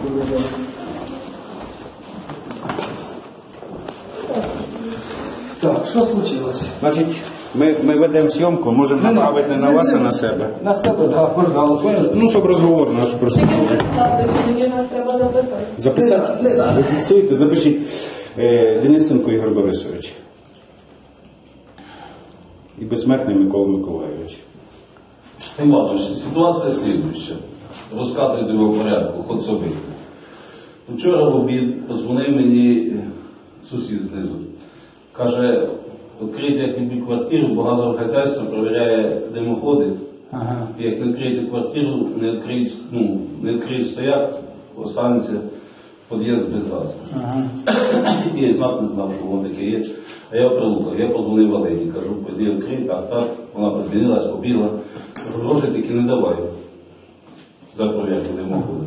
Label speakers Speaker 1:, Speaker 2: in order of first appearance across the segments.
Speaker 1: Так, що случилось?
Speaker 2: Значить, ми ведемо зйомку, можемо направити не на вас, а на себе.
Speaker 1: На себе, так, пожалуйста.
Speaker 2: Ну, щоб розговор наш просто.
Speaker 3: Мені нас треба записати.
Speaker 2: Записати?
Speaker 1: Не надо.
Speaker 2: Ви фіксуєте? Запишіть. Денисенко Ігор Борисович. І безсмертний Микола Миколайович.
Speaker 4: Іванович, ситуація слідуюча. Розказуйте ви в порядку, ход собі. Вчора в обід подзвонив мені сусід знизу. Каже, відкрийте як-небудь квартиру, бо газове хазяйство перевіряє димоходи.
Speaker 1: Ага.
Speaker 4: І як не відкриєте квартиру, не відкриють стояк, останеться під'їзд без газу.
Speaker 1: Ага.
Speaker 4: І я знав, не знав, що воно таке є. А я прилукав, я подзвонив Валерії, кажу, піди відкрий, так. Вона подзвонилась, побігла. Кажу, грошей таки не давай за провірку димоходу.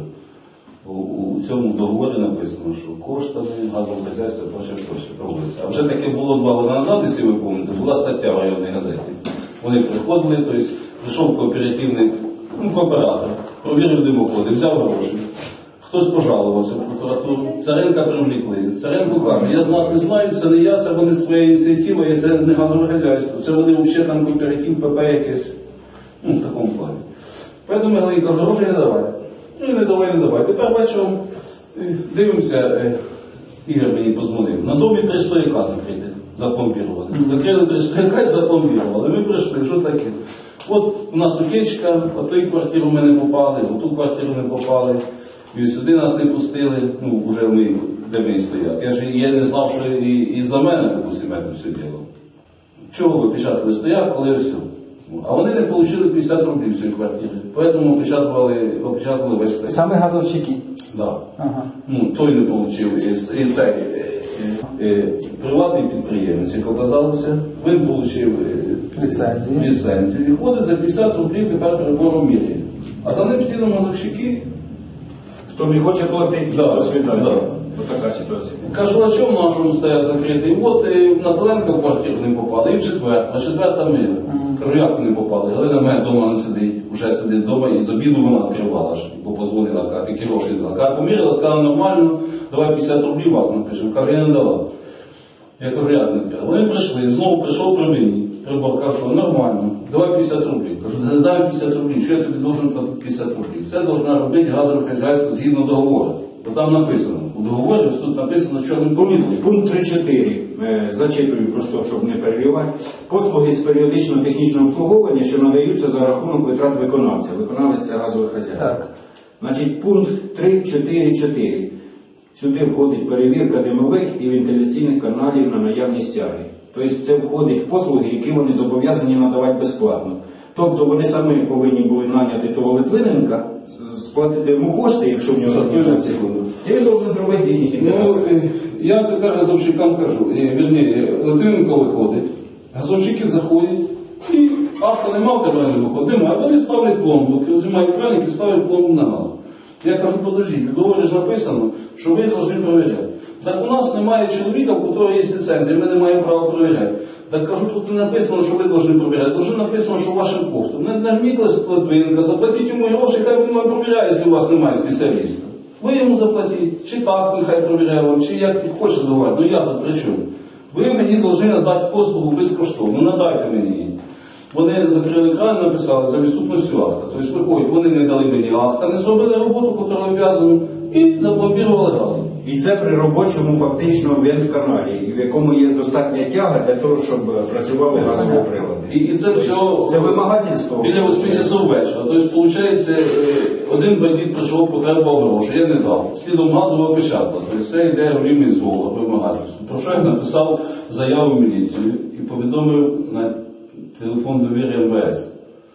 Speaker 4: У цьому договорі написано, що коштами газового хазяйства проще проводиться. А вже таке було 2 роки назад, якщо ви пам'ятаєте, була стаття в районній газеті. Вони приходили, тобто прийшов кооперативний кооператор, провірив димоходи, взяв гроші. Хтось пожалувався в прокуратуру, Царенка привлекли. Царенко каже, я не знаю, це не я, це вони своя ініціатива, і це не газове хазяйство. Це вони взагалі там кооператив, ПП якесь. В такому плані. Поэтому я кажу, грошей не давай. Ну і не давай. Тепер вечором дивимося, Ігор мені подзвонив. На домі 3 стояка закриті, запломбірували. Закрили 3 стояка і запломбірували. Ми прийшли, що таке? От у нас утечка, в ту квартиру ми не попали, в ту квартиру не попали. І сюди нас не пустили, вже ми, де ми стояк. Я не знав, що і за мене, допустимо, це все діло. Чого ви печатали стояк, коли все? А вони не отримали 50 рублів в цій квартирі. Тому опечатали весь стояк.
Speaker 1: Саме газовщики?
Speaker 4: Да.
Speaker 1: Ага.
Speaker 4: Той не отримав. І цей приватний підприємець, як оказалося, він отримав ліцензію. І ходить за 50 рублів тепер прибором мірі. А за ним слідом газовщики.
Speaker 2: Хто не хоче платити,
Speaker 4: Да,
Speaker 2: до свидання.
Speaker 4: да.
Speaker 2: Ось така ситуація.
Speaker 4: Кажу, а чому нашому стояк закритий? І от на Теленка в квартиру не попали, і в четверта мила. Кажу, як вони попали? Галина моя вдома не сидить, вже сидить вдома, і з обіду вона відкривала, бо позвонила, каже, такі гроші дала. Каже, поміряла, сказала, нормально, давай 50 рублів вам напишемо. Каже, я не давав. Я кажу, як не треба? Вони прийшли, знову прийшов при мені. Прибор каже, нормально, давай 50 рублів. Кажу, не дай 50 рублів, що я тобі должен платити 50 рублів? Це должна робити газове хазяйство згідно договору. Бо там написано, у договорі, ось тут написано, що він помітив.
Speaker 2: Пункт 3.4. Зачитую просто, щоб не перебивати. Послуги з періодичного технічного обслуговування, що надаються за рахунок витрат виконавця. Виконавець – це газове хазяйство.
Speaker 1: Так.
Speaker 2: Значить, пункт 3.4.4. Сюди входить перевірка димових і вентиляційних каналів на наявність тяги. Тобто це входить в послуги, які вони зобов'язані надавати безплатно. Тобто вони самі повинні були наняти того Литвиненка, сплатити йому кошти, якщо в нього організація. І він должен зробити їхніх інтересів.
Speaker 4: Я тепер газовщикам кажу, Литвиненко виходить, газовщики заходять, і авто нема, в тебе не виходить, немає, вони ставлять пломбу, знімають краник і ставлять пломбу на газ. Я кажу, подождіть, в договорі ж написано, що ви повинні перевіряти. Так у нас немає чоловіка, у якого є ліцензія, ми не маємо права перевіряти. Так кажу, тут не написано, що ви повинні перевіряти, тут написано, що вашим коштом. Не нажміть Литвиненка, заплатіть йому гроші, хай він вам перевіряє, якщо у вас немає спеціаліста. Ви йому заплатіть, чи так нехай перевіряє вам, чи як хочете договорити, ну я тут при чому? Ви мені повинні надати послугу безкоштовно, надайте мені її. Вони закрили кран, написали за відсутністю акта. Тобто виходять, вони не дали мені акта, не зробили роботу, яку обов'язані, і запломбірували газ.
Speaker 2: І це при робочому фактично вент-каналі, в якому є достатня тяга для того, щоб працювали газові прилади.
Speaker 4: І це все
Speaker 2: Це вимагательство.
Speaker 4: біля 8 часов вечора. Тобто, виходить, один бандит прийшов, потребував гроші, я не дав. Слідом газового опечатала. Тобто це йде голівний зговор, вимагательство. Про що я написав заяву в міліцію і повідомив на телефон довіри МВС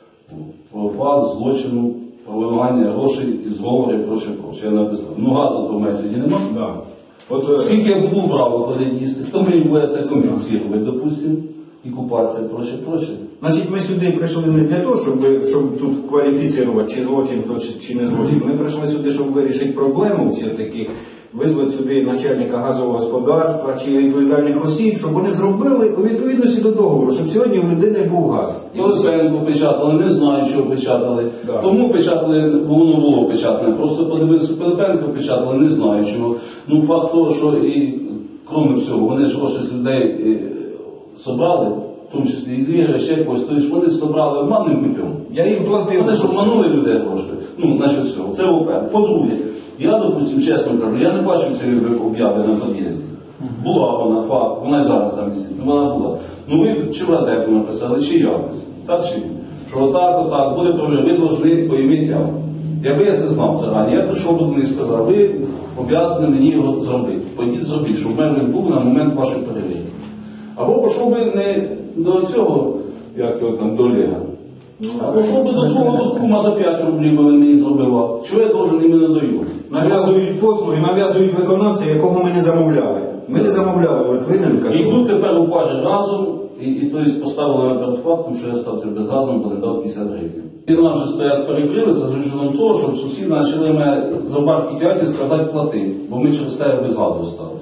Speaker 4: про факт злочину, про вимагання грошей і зговори і проще. Я написав. Ну газу то в мене сьогодні нема.
Speaker 2: Да. От,
Speaker 4: скільки я буду брав виходить їсти, хто мені буде це компенсувати, допустимо, і купатися, проще.
Speaker 2: Значить, ми сюди прийшли не для того, щоб тут кваліфікувати, чи злочин, чи не злочин. Ми прийшли сюди, щоб вирішити проблему все-таки визвати сюди начальника газового господарства чи відповідальних осіб, щоб вони зробили у відповідності до договору, щоб сьогодні в людини був газ.
Speaker 4: Пилипенко печатали, не знаю, чого печатали.
Speaker 2: Да.
Speaker 4: Тому печатали, бо воно було печатане. Просто подивився, Пилипенко печатали, не знаю чого. Ну, факт того, що і, крім всього, вони ж гроші з людей собрали, в тому числі і з Ігоря, ще якось, тобто вони собрали обманним путем.
Speaker 2: Я їм платив.
Speaker 4: Вони ж обманули людей гроші. Ну, значить, все. Це ОП. По-друге, я, допустим, чесно кажу, я не бачив цієї об'яви на під'їзді. Була вона, факт, вона і зараз там висить, вона була. Ну ви чи в газету написали, чи якось. Так чи ні? Що отак, буде проблема, ви повинні поїмити явку. Якби я це знав зарані, я прийшов до них і сказав, ви обов'язані мені його зробити. Пойдіть зробіть, щоб в мене був на момент вашої перевірки. Або пішов би не до цього, як його там, до Олега. А пішов би до другого до кума за 5 рублів, бо він мені зробив. Чого я должен іменно до його?
Speaker 2: Нав'язують послуги, нав'язують виконавця, якого ми не замовляли. Ми не замовляли Литвиненка.
Speaker 4: І йдуть тепер у парі разом, і тобто поставили мене перед фактом, що я стався безгазом, бо не дав 50 гривень. І нас же стоять перекрили за рішенням того, щоб сусіди почали мене за бабки дяді сказати плати, бо ми через тебе без газу сталися.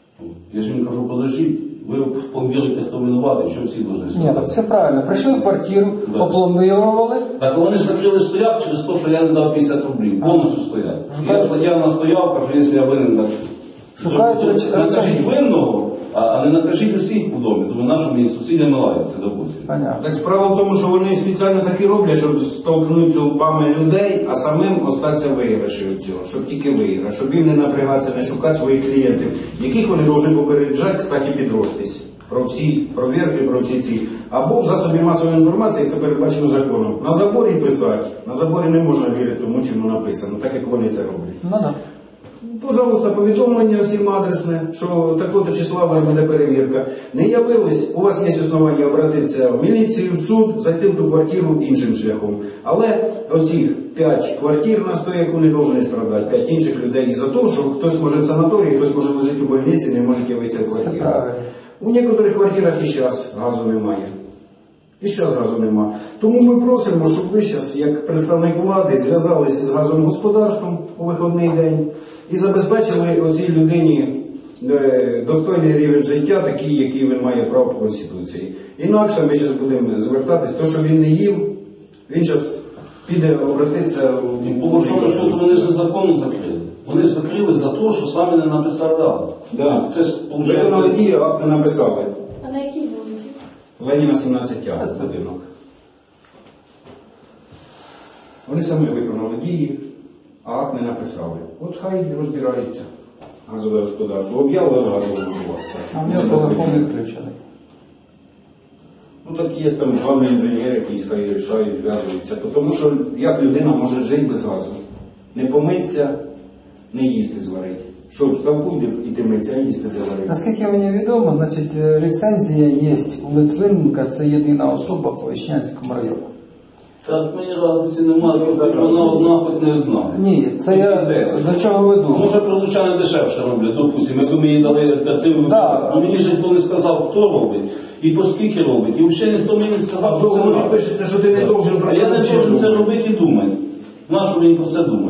Speaker 4: Я ж їм кажу, подождіть, ви повірите, хто винуватий, що всі повинні
Speaker 1: Ні,
Speaker 4: сказати.
Speaker 1: так все правильно. Прийшли в квартиру,
Speaker 4: Да.
Speaker 1: опломбірували.
Speaker 4: Так вони закрили стояк через те, що я не дав 50 рублів, повністю стояк. Я настояв, кажу, якщо я винен, так
Speaker 1: Шукають
Speaker 4: накажіть винного, а не накажіть усіх у домі. Думаю, на що мені сусіди лаються, допустимо.
Speaker 1: Понятно.
Speaker 2: Так справа в тому, що вони спеціально так і роблять, щоб столкнути лбами людей, а самим остатися виграші від цього, щоб тільки виграш, щоб їм не напрягатися, не шукати своїх клієнтів, яких вони повинні попереджати, кстати, підростись. Про всі провірки, про всі ці. Або в засобі масової інформації, як це передбачено законом. На заборі писати. На заборі не можна вірити тому, чому написано, так як вони це роблять.
Speaker 1: Ну так.
Speaker 2: Пожалуйста, повідомлення всім адресне, що такого числа у вас буде перевірка. Не явились, у вас є основання обратитися в міліцію, в суд, зайти в ту квартиру іншим шляхом. Але оцих 5 квартир на 100, яку не повинні страдати, 5 інших людей із-за того, що хтось може в санаторії, хтось може лежати у больниці, не може явитися в
Speaker 1: Все
Speaker 2: квартиру.
Speaker 1: правильно.
Speaker 2: У некоторих квартирах і зараз газу немає. І зараз газу нема. Тому ми просимо, щоб ви зараз, як представник влади, зв'язалися з газовим господарством у вихідний день і забезпечили оцій людині достойний рівень життя, такий, який він має право по Конституції. Інакше ми зараз будемо звертатись, то, що він не їв, він зараз піде обратитися
Speaker 4: І
Speaker 2: в
Speaker 4: по большому счету вони ж законно закрили. Вони закрили за те, що самі не написали акт.
Speaker 2: Да.
Speaker 4: Це ж
Speaker 2: Виконали
Speaker 4: виходить.
Speaker 2: дії, акт не написали.
Speaker 3: А на якій вулиці?
Speaker 2: Леніна 17А будинок. Вони самі виконали дії, а акт не написали. От хай розбираються газове господарство. Об'явили газове господарство.
Speaker 1: А в нього телефон відключений.
Speaker 2: Ну так є там главний інженер, який хай рішають, зв'язуються. Тому що як людина може жити без газу? Не помиться, не їсти зварити. Що, в ставку йти миться, а їсти заварити?
Speaker 1: Наскільки мені відомо, значить, ліцензія є у Литвиненка, це єдина особа по Ічнянському району.
Speaker 4: Так мені разниці немає, хоч вона одна, хоч не одна.
Speaker 1: Ні, це я до чого веду.
Speaker 4: Може, прилучани дешевше роблять, допустимо, якби ми їй дали альтернативу.
Speaker 1: Да.
Speaker 4: Ну мені ж ніхто не сказав, хто робить і по скільки робить. І взагалі ніхто мені не сказав, що це
Speaker 2: Договорі
Speaker 4: робить.
Speaker 2: пишеться, що ти не должен про
Speaker 4: А
Speaker 2: це
Speaker 4: я не
Speaker 2: нічого
Speaker 4: должен це
Speaker 2: думати.
Speaker 4: робити і думати. Нащо мені про це думати?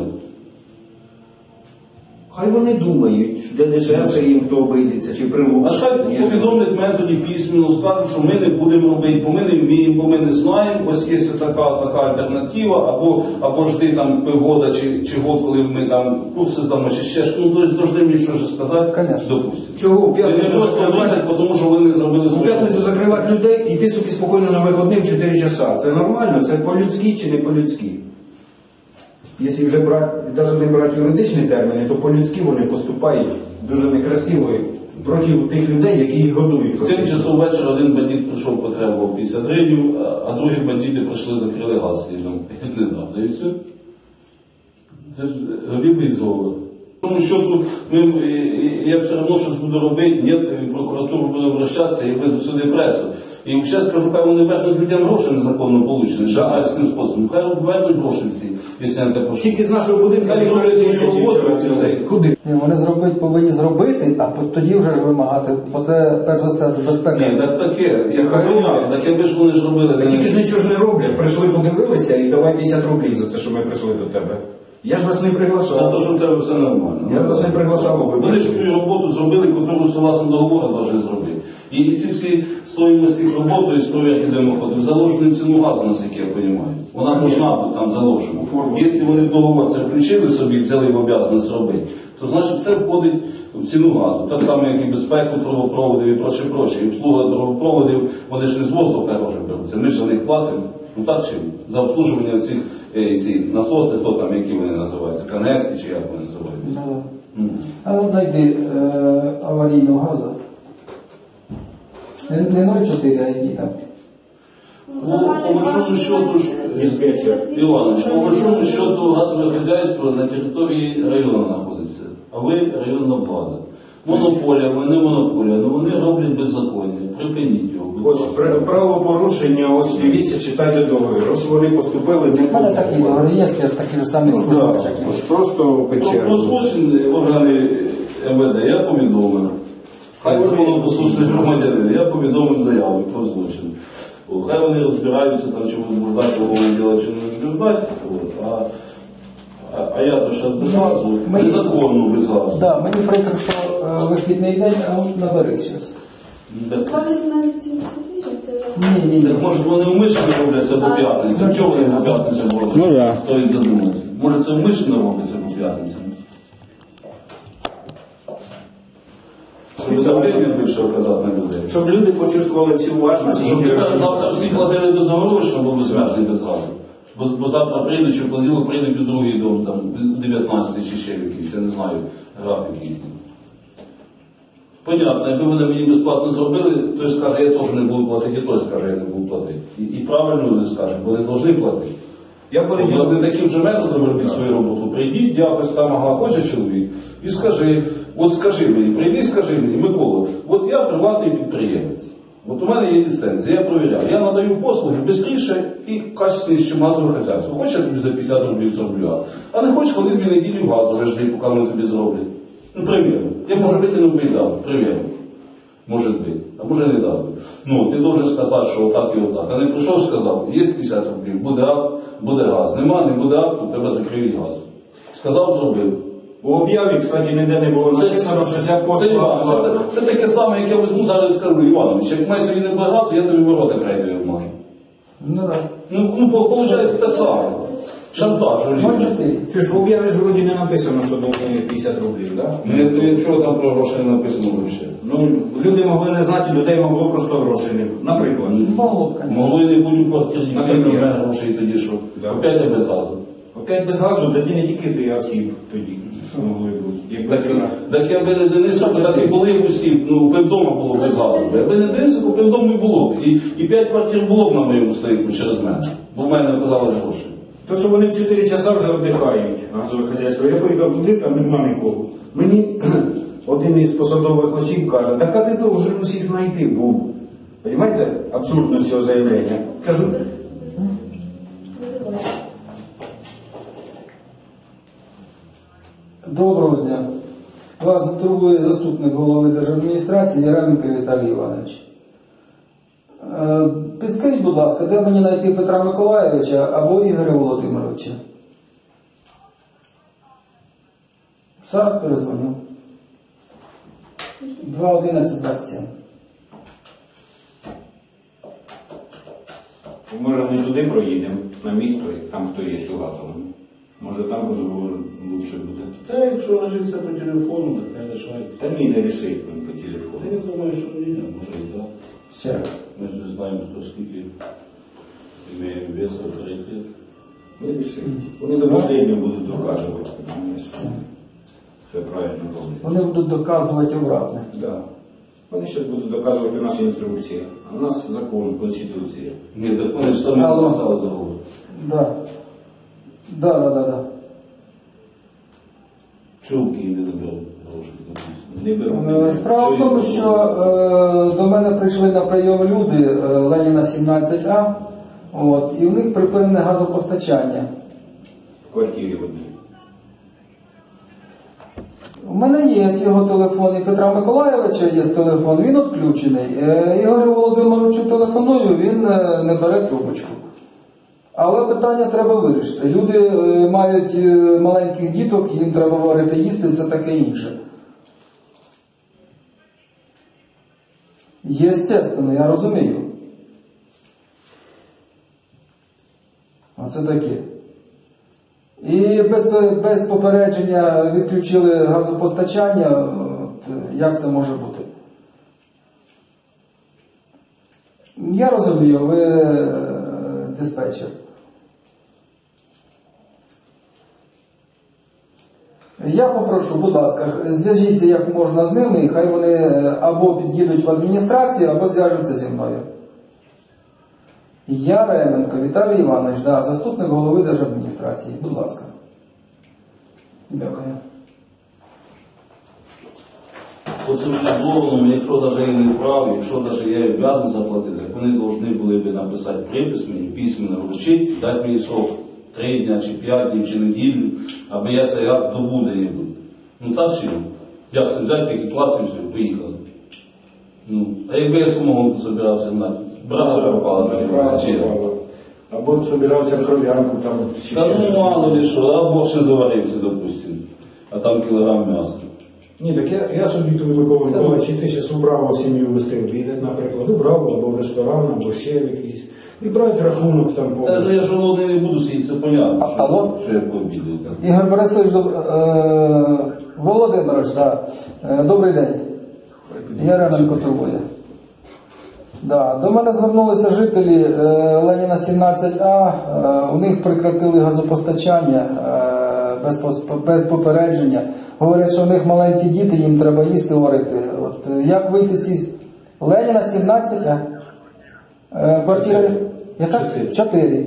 Speaker 2: Хай вони думають, де дешевше їм хто обійдеться, чи
Speaker 4: А ж хай повідомлять мене тоді письменно, скажуть, що ми не будемо робити, бо ми не вміємо, бо ми не знаємо, ось є така альтернатива, або жди там півгода чи год, коли ми там курси здамо, чи ще щось. Ну, тобто, должны мені щось сказати,
Speaker 1: Конечно.
Speaker 4: допустимо.
Speaker 2: Чого в
Speaker 4: І не
Speaker 2: п'ятницю
Speaker 4: просто
Speaker 2: закривати?
Speaker 4: обіцяти, тому що ви не зробили
Speaker 2: У
Speaker 4: свою
Speaker 2: п'ятницю
Speaker 4: роботу.
Speaker 2: закривати людей і йти собі спокійно на виходних 4 часа. Це нормально? Це по-людськи чи не по-людськи? Якщо вже навіть не брати юридичні терміни, то по-людськи вони поступають дуже некрасиво проти тих людей, які їх годують.
Speaker 4: В 7 часов вечора один бандит прийшов, потребував 50 гривень, а другі бандити прийшли, закрили газ слідом. Не дав, да і все. Це ж рибий золото. Тому що тут я все одно щось буду робити, ні, в прокуратуру буду обращатися і везу сюди пресу. І ще скажу, хай вони вернуть людям гроші незаконно получені, шахрайським способом. Хай вернуть гроші всі, якщо не те пошло.
Speaker 2: Тільки з нашого будинку
Speaker 4: Хай
Speaker 2: не
Speaker 4: зроблять
Speaker 2: говорять,
Speaker 4: свою
Speaker 2: що
Speaker 4: роботу,
Speaker 2: вчора
Speaker 4: це-
Speaker 2: Куди?
Speaker 1: Ні, вони повинні зробити, а тоді вже ж вимагати, бо це перш за все безпека.
Speaker 4: Ні, так таке, як
Speaker 2: Хай
Speaker 4: понятно, так якби ж вони ж робили.
Speaker 2: Тільки ж нічого ж не роблять. Прийшли, подивилися і давай 50 рублів за це, що ми прийшли до тебе. Я ж вас не
Speaker 4: За те,
Speaker 2: приглашав.
Speaker 4: що в тебе все нормально.
Speaker 2: Я вас не приглашав, ви
Speaker 4: Вони ж свою роботу зробили, яку согласно договору повинні зробити. І ці всі стоїмості роботи, тобто історія димоходів, заложені в ціну газу, наскільки я розумію. Вона должна бути там заложена. Якщо вони в договор це включили собі, взяли в обов'язаність робити, то значить це входить в ціну газу. Так само, як і безпеку трубопроводів і проче. І обслуга трубопроводів, вони ж не з воздуха гроші беруться. Ми ж за них платимо. Ну так чи ні? За обслужування цих ці насоси, хто там, які вони називаються, канески чи як вони називаються.
Speaker 1: А от знайди аварійного газу. Не 0,4, а який там.
Speaker 4: По большому счету,
Speaker 2: диспетчер.
Speaker 4: Іванович, по большому счету газове хозяйство на території району знаходиться, а ви районна влада. Монополія, ви не монополія, але вони роблять беззаконня. Припиніть його, будь
Speaker 2: Ось
Speaker 4: ласка.
Speaker 2: правопорушення, ось дивіться, читайте договір. Ось вони поступили не
Speaker 1: У мене такі договори є, я такі ж самі
Speaker 2: Ну,
Speaker 1: служу.
Speaker 2: да. Ось просто
Speaker 4: Про
Speaker 2: печерно.
Speaker 4: злочин органи МВД я повідомив. Хай законопослушний громадянин, я повідомив заяву про злочин. Хай вони розбираються, там, чи возбуждати уголовне діло, чи не возбуждати. А я то ще без газу, незаконно без газу.
Speaker 1: Да, мені прикро, що вихідний день, а от набери зараз.
Speaker 3: 2.18.78 це
Speaker 1: Ні.
Speaker 4: Так, може вони умишлено роблять це по п'ятницям? Чого вони по п'ятницям роблять?
Speaker 2: Ну, да.
Speaker 4: Стоїть задуматися. Може це умишлено робиться по п'ятницям? Давлення більше оказати на людей.
Speaker 2: Щоб люди почувствували всю уважність.
Speaker 4: Щоб тепер завтра всі платили безоговорочно, бо безмежний без газу. Бо завтра прийдуть, чи в понеділок прийдуть у другий дом, там, 19 чи ще якийсь, я не знаю, графік їхній. Понятно, якби вони мені безплатно зробили, той скаже, я теж не буду платити, і той скаже, я не буду платити. І правильно вони скажуть, бо вони повинні платити.
Speaker 2: Я переділ.
Speaker 4: Не таким же методом робіть свою роботу. Прийдіть, якось там, ага, хоче чоловік, і скажи, от скажи мені, прийди, скажи мені, Микола, от я приватний підприємець. От у мене є ліцензія, я провіряю. Я надаю послуги швидше і качественніше, ніж газове хазяйство. Хочеш, я тобі за 50 рублів зроблю, а не хочеш ходити 2 неділі в газове жди, поки вони тобі зроблять. Ну, примірно. Я, може, витягнув би і дав, примірно. Може бути, а може не дав. Ну, ти должен сказати, що отак і отак. А не прийшов, сказав, є 50 рублів, буде акт, буде газ. Нема, не буде акту, тебе закриють газ. Сказав, зробив.
Speaker 2: У об'яві, кстати, ніде не було написано, що ця послуга платна.
Speaker 4: Це таке саме, як я візьму зараз і скажу, Іванович, як має сьогодні не буде газу, я тобі ворота крейдою обмажу.
Speaker 1: Ну так.
Speaker 4: Ну, виходить те саме. Шантаж, у людей.
Speaker 1: 0,4.
Speaker 2: Чи ж в об'яві ж вроді не написано, що доволі 50 рублів, так?
Speaker 4: Нічого там про гроші не написано взагалі.
Speaker 2: Ну, люди могли не знати, людей могло просто грошей не. Наприклад.
Speaker 1: Могло б, звісно.
Speaker 4: Могли не бути в квартирі,
Speaker 2: Наприклад.
Speaker 4: ніхто не має грошей тоді, що
Speaker 2: Да.
Speaker 4: опять я без газу.
Speaker 2: Опять без газу, тоді не тільки ти, а всі тоді. Що могли бути? Якби
Speaker 4: Так якби не Денисович, так і були б усі, ну, півдома було б без газу. Якби не Денисович, півдому і було б. І 5 квартир було б на моєму стоїку через мене. Бо в мене оказалось гроші.
Speaker 2: То, що вони в 4 часа вже віддихають, газове хазяйство. Я поїхав туди, там нема нікого. Мені один із посадових осіб каже, так а ти должен усіх знайти був. Понимаєте абсурдність цього заявлення? Кажу,
Speaker 1: Доброго дня. Вас турбує заступник голови держадміністрації Яременко Віталій Іванович. Підскажіть, будь ласка, де мені знайти Петра Миколайовича або Ігоря Володимировича? Зараз перезвоню. 2.11.27.
Speaker 2: може ми туди проїдемо, на місто, і там хто є у газовому. Може там розговор лучше буде.
Speaker 4: Та якщо лежиться по телефону, так хай лишають.
Speaker 2: Та ні, не рішить він по телефону.
Speaker 4: Та я думаю, що ні, може і так.
Speaker 1: Ще раз.
Speaker 4: Ми ж не знаємо, хто скільки має вес, авторитет.
Speaker 2: Не рішить. Вони до останнього будуть доказувати. Розумієш? Це правильно роблять.
Speaker 1: Вони будуть доказувати обратне.
Speaker 2: Да. Вони ще будуть доказувати у нас інструкція, а у нас закон, конституція.
Speaker 4: Ні, так вони ж самі
Speaker 1: Алло.
Speaker 4: написали договор.
Speaker 1: Да. Да.
Speaker 4: Чого в Києві не беруть гроші?
Speaker 2: Не беруть.
Speaker 1: Справа в тому, що до мене прийшли на прийом люди Леніна 17А, от, і в них припинене газопостачання.
Speaker 2: В квартирі в одній.
Speaker 1: У мене є його телефон, і Петра Миколайовича є телефон, він відключений. Ігорю Володимировичу телефоную, він не бере трубочку. Але питання треба вирішити. Люди мають маленьких діток, їм треба варити їсти і все таке інше. Єстественно, я розумію. Оце таке. І без попередження відключили газопостачання. От, як це може бути? Я розумію, ви диспетчер. Я попрошу, будь ласка, зв'яжіться як можна з ними, і хай вони або під'їдуть в адміністрацію, або зв'яжуться зі мною. Я Ременко Віталій Іванович, да, заступник голови держадміністрації. Будь ласка. Дякую.
Speaker 4: По цивілізованому, якщо навіть я не вправ, якщо навіть я і обов'язаний заплатити, так вони повинні були б написати припис мені, письменно вручити, дати мені срок 3 дня, чи 5 днів, чи неділю, аби я цей акт добув де-небудь. Ну так чи ні? Як це взяти, тільки класи і все, поїхали. Ну, а якби я самогонку збирався знати, брата пропала, чи ні?
Speaker 2: Або собирався кров'янку там чи
Speaker 4: Та
Speaker 2: ще щось.
Speaker 4: ну мало ли що, або ще доварився, допустимо, а там кілограм м'яса.
Speaker 2: Ні, так я собі тут Микола, чи ти зараз у Браво сім'ю вести обідати, наприклад, у Браво, або в ресторан, або ще в якийсь. І брати рахунок там по.
Speaker 4: Та ну, я ж голодний не буду сидіти, це понятно,
Speaker 1: Алло?
Speaker 4: що я пообідаю. Так.
Speaker 1: Ігор Борисович, Володимирович, да. Добрий день. Я Ременко турбує. Да. До мене звернулися жителі Леніна 17А, у них прекратили газопостачання без попередження. Говорять, що у них маленькі діти, їм треба їсти варити. От, як вийти з Леніна 17А? Квартира яка? 4.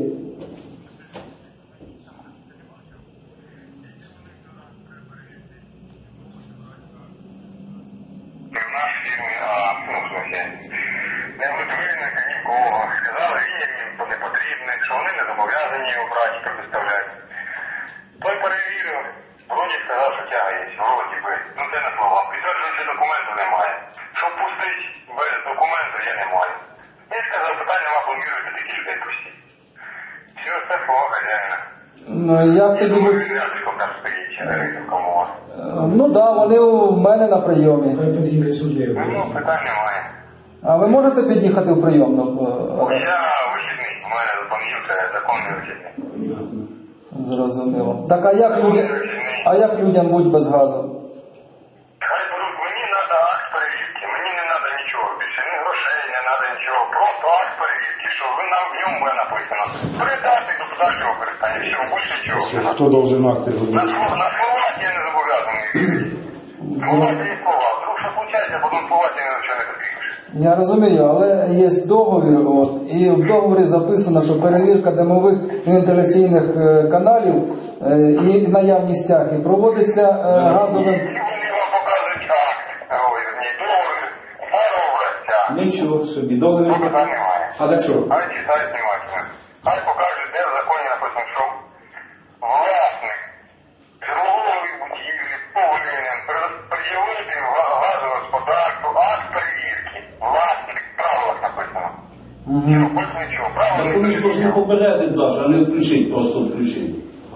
Speaker 5: В нашій фірмі, ну, в смысле, не витворюють нікого. Сказали, він їм не потрібний, що вони не зобов'язані його брати, предоставляти. Той перевірив, вроді сказав, що тяга є, вроді би. Ну це не слова. Підтверджуючи документу немає. Щоб пустити без документу, я не маю. Він сказав, питання нема, плануєте такі людей пустити. Все, це слова хазяїна.
Speaker 1: Ну, як
Speaker 5: Я
Speaker 1: тоді
Speaker 5: думаю,
Speaker 1: ви...
Speaker 5: він рядом там стоїть, кому.
Speaker 1: Ну так, да, вони у мене на прийомі.
Speaker 2: Хай під'їде сюди.
Speaker 5: Ну, питань немає.
Speaker 1: А ви можете під'їхати в прийомну?
Speaker 5: Я вихідний, у мене з понеділка законний вихідний.
Speaker 1: Зрозуміло. Так, а як людям будь без газу?
Speaker 5: Хай беруть, мені треба акт перевірки, мені не треба нічого більше, ні грошей, не треба нічого, просто акт перевірки, що ви нам в ньому буде написано. Передати до подальшого використання, все, більше нічого.
Speaker 2: Хто должен акти робити?
Speaker 5: На слова я не зобов'язаний вірити. Слова це є слова, вдруг що случається, потім слова ти нічого не підпишеш.
Speaker 1: Я розумію, але є договір, от, і в договорі записано, що перевірка димових вентиляційних каналів і наявність тяги проводиться газовим...
Speaker 5: І вони вам покажуть акт, ой, ні, договір, образця.
Speaker 2: Нічого собі, договір.
Speaker 5: Ну, питань немає.
Speaker 2: А для чого?
Speaker 5: Хай читають внимательно. Хай покажуть, де в законі написано, що власник житлової будівлі повинен пред'явити газовому господарству акт перевірки. Власник, правилах написано. Все, більше нічого.
Speaker 4: Так вони ж
Speaker 5: Правила
Speaker 4: повинні попередити даже, а не включити, просто включити.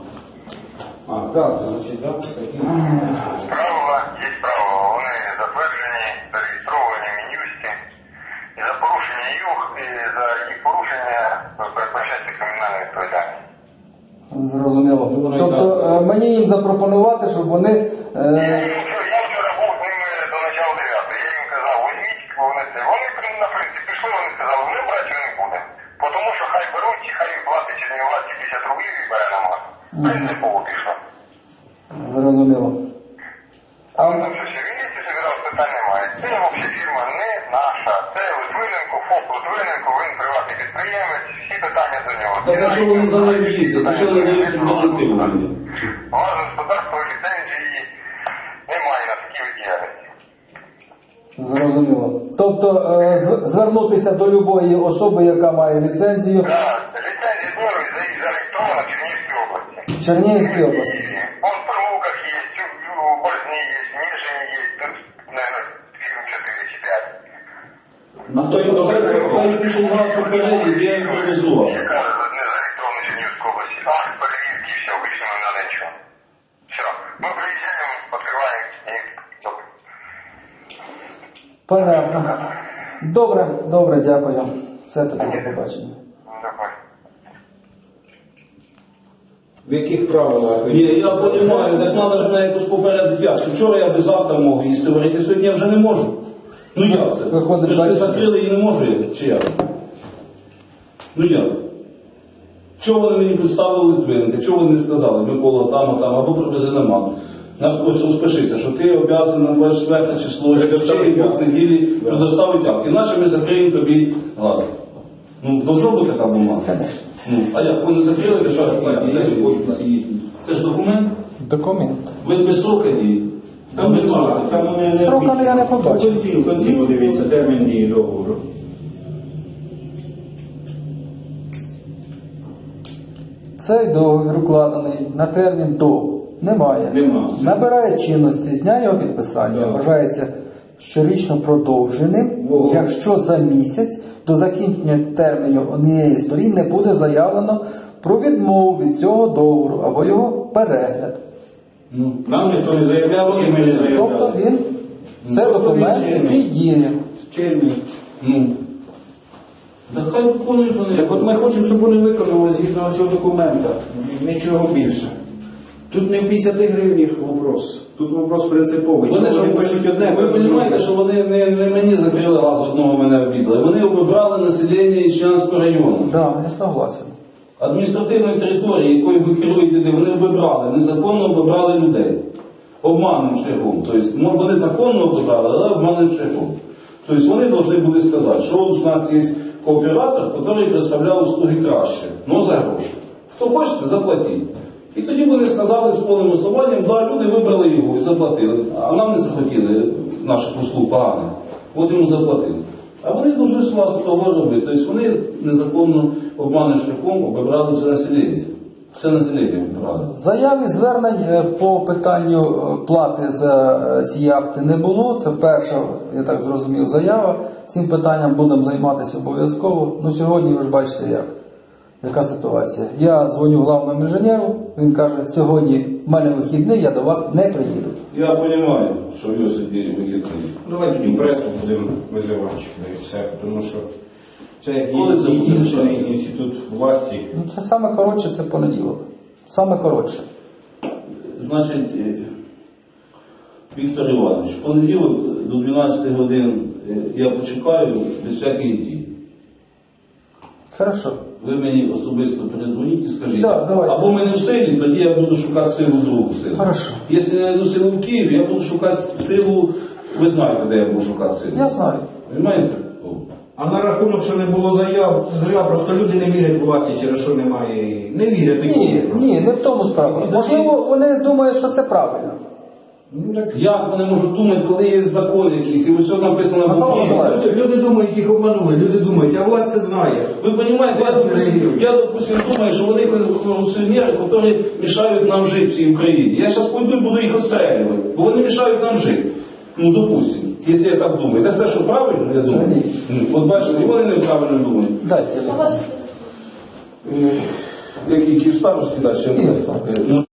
Speaker 2: А, так, значить, так.
Speaker 5: Правила є правила. Вони затверджені, зареєстровані в Мін'юсті. І за порушення їх, і за їх порушення передбачається кримінальна відповідальність.
Speaker 1: Зрозуміло. Тобто мені їм запропонувати, щоб вони...
Speaker 5: Я вчора був з ними до начала 9. Я їм казав, візьміть, вони це. Вони, на принципі, пішли, вони сказали, ми брати не буде. Тому що хай беруть, і хай їм платить Чернівладці 50 рублів і бере на мат. Принципово пішло.
Speaker 1: Зрозуміло.
Speaker 5: Але там все вінниці собирав, питань немає. Це взагалі фірма не наша. Це Литвиненко, ФОП Литвиненко, він приватний підприємець, всі питання до нього.
Speaker 4: Так а чого вони за ним їздять? А чого вони дають альтернативу мені?
Speaker 5: Газове господарство ліцензії немає на такі види діяльності.
Speaker 1: Зрозуміло. Тобто звернутися до любої особи, яка має ліцензію
Speaker 5: Так, ліцензія знову зареєстрована в Чернігівській області.
Speaker 1: в Чернігівській області.
Speaker 5: Он в Прилуках є, у Борзні є, в Ніжині є, тут, наверное, фірм 4 чи 5.
Speaker 4: А хто їм дозволив? Хай пишуть газ попередньо, я їм привезу.
Speaker 5: Яка не зареєстрована
Speaker 1: Понятно. Добре, дякую. Все тоді, до побачення.
Speaker 5: Давай.
Speaker 2: В яких правилах?
Speaker 4: Ні, я розумію, так треба ж мене якось попередити. Як? Вчора я би завтра мог їсти варити, сьогодні я вже не можу. Ну як це?
Speaker 1: Виходить,
Speaker 4: Ви ж не
Speaker 1: бачите.
Speaker 4: закрили і не можу я, чи як? Ну як? Чого вони мені представили Литвиненка? Чого вони не сказали? Микола там, або привези на мак. Ось розпишися, що ти обов'язаний на 24 число, чи в двох неділі предоставити акт. Іначе ми закриємо тобі газ. Ну, должна бути така бумага. Ну, а як? Вони закрили, держава шукати. Це ж документ?
Speaker 1: Документ.
Speaker 4: Він без срока дії.
Speaker 2: Там
Speaker 4: без
Speaker 2: немає,
Speaker 4: срока.
Speaker 2: там не
Speaker 1: Срока я не побачив.
Speaker 2: В кінці подивіться, термін дії договору.
Speaker 1: Цей договір укладений на термін до. Немає.
Speaker 2: Нема.
Speaker 1: Набирає чинності з дня його підписання.
Speaker 2: Так.
Speaker 1: Вважається щорічно продовженим,
Speaker 2: Во.
Speaker 1: якщо за місяць до закінчення терміну однієї з сторін не буде заявлено про відмову від цього договору або його перегляд.
Speaker 4: Ну,
Speaker 2: Нам ніхто не заявляв, і ми не
Speaker 1: Тобто
Speaker 2: заявляли.
Speaker 1: це
Speaker 2: Тобто
Speaker 1: документ,
Speaker 2: він чинний.
Speaker 1: який діє.
Speaker 2: Чинний.
Speaker 4: ну. Так хай виконують вони.
Speaker 2: Так от ми хочемо, щоб вони виконали згідно цього документа. Нічого більше. Тут не в 50 гривнях вопрос. Тут вопрос принциповий. Чому вони пишуть одне,
Speaker 4: ви
Speaker 2: пишуть
Speaker 4: розумієте,
Speaker 2: друге?
Speaker 4: що вони не мені закрили газ, одного мене обідали. Вони обібрали населення Ічнянського району.
Speaker 1: Да, я согласен.
Speaker 4: Адміністративної території, якою ви керуєте, вони обібрали, незаконно обібрали людей. Обманним шляхом. Тобто, вони законно обібрали, але обманним шляхом. Тобто вони повинні були сказати, що у нас є кооператор, який представляв услуги краще, але за гроші. Хто хочете, заплатіть. І тоді вони сказали з повним основанням, да, люди вибрали його і заплатили, а нам не захотіли наших услуг поганих. От йому заплатили. А вони дуже з вас того робити. Тобто вони незаконно обманним шляхом обібрали це населення. Це населення обібрали.
Speaker 1: Заяв і звернень по питанню плати за ці акти не було. Це перша, я так зрозумів, заява. Цим питанням будемо займатися обов'язково. Ну сьогодні ви ж бачите як. Яка ситуація? Я дзвоню главному інженеру, він каже, сьогодні в мене вихідний, я до вас не приїду.
Speaker 4: Я розумію, що в його сьогодні вихідний.
Speaker 2: Давай тоді пресу будемо визивати. І все, тому що це
Speaker 4: Коли це буде
Speaker 2: інший
Speaker 4: працювати?
Speaker 2: інститут власті.
Speaker 1: Ну це саме коротше, це понеділок. Саме коротше.
Speaker 4: Значить, Віктор Іванович, в понеділок до 12 годин я почекаю без всяких дій.
Speaker 1: Хорошо.
Speaker 4: Ви мені особисто перезвоніть і скажіть.
Speaker 1: Да, давайте.
Speaker 4: Або ми не в силі, тоді я буду шукати силу другу силу.
Speaker 1: Хорошо.
Speaker 4: Якщо не знайду силу в Києві, я буду шукати силу, ви знаєте, де я буду шукати силу.
Speaker 1: Я знаю.
Speaker 4: Понимаєте?
Speaker 2: А на рахунок, що не було заяв, зря просто люди не вірять власті, через що немає. Не вірять нікому. просто.
Speaker 1: Ні, не в тому справа. Можливо, вони думають, що це правильно.
Speaker 2: Ну, так.
Speaker 4: Як вони можуть думати, коли є закон якийсь, і ось все написано в
Speaker 1: Михайло
Speaker 4: Україні?
Speaker 1: Миколаївич.
Speaker 2: Люди думають, їх обманули, люди думають, а власть це знає.
Speaker 4: Ви розумієте, допустим, думаю, що вони корупціонери, які мішають нам жити в цій Україні. Я зараз пойду і буду їх обстрілювати, бо вони мішають нам жити. Ну, допустим, якщо я так думаю. Так це що правильно, я думаю?
Speaker 1: Ні.
Speaker 4: Ну, от бачите, і вони неправильно думають.
Speaker 1: Дайте.
Speaker 3: А ваш
Speaker 4: Які Київстарські далі?
Speaker 1: Київстарські.